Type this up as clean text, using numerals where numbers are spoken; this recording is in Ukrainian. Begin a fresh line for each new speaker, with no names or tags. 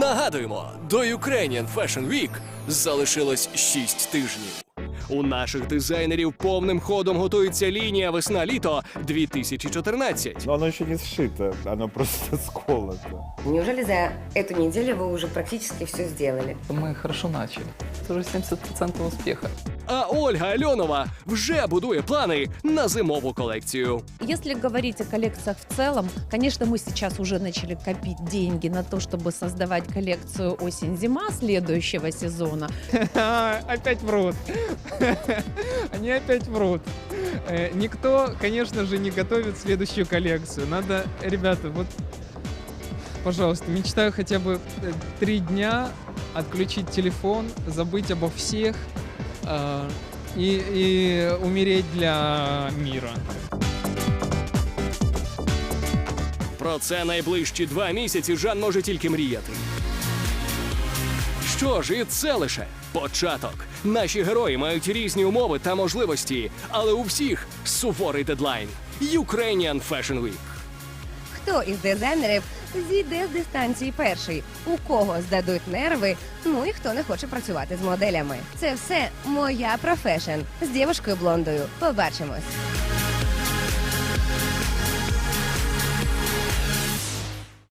Нагадуємо, до Ukrainian Fashion Week залишилось 6 тижнів. У наших дизайнерів повним ходом готується лінія «Весна-літо 2014».
Но оно еще не сшито, оно просто сколото.
Неужели за эту неделю вы уже практически все сделали?
Мы хорошо начали. Это уже 70% успеха.
А Ольга Альонова вже будує плани на зимову колекцію.
Если говорить о коллекциях в целом, конечно, мы сейчас уже начали копить деньги на то, чтобы создавать коллекцию осень-зима следующего сезона.
Опять врут. Они опять врут. Никто, конечно же, не готовит следующую коллекцию. Надо, ребята, вот, пожалуйста, мечтаю хотя бы 3 дня отключить телефон, забыть обо всех и умереть для мира.
Про це найближчі 2 місяці Жан може тільки мріяти. Що ж, і це лише початок. Наші герої мають різні умови та можливості, але у всіх суворий дедлайн – Ukrainian Fashion Week.
Хто із дизайнерів зійде з дистанції перший? У кого здадуть нерви? Ну і хто не хоче працювати з моделями? Це все «Моя профешн» з дівушкою блондою. Побачимось!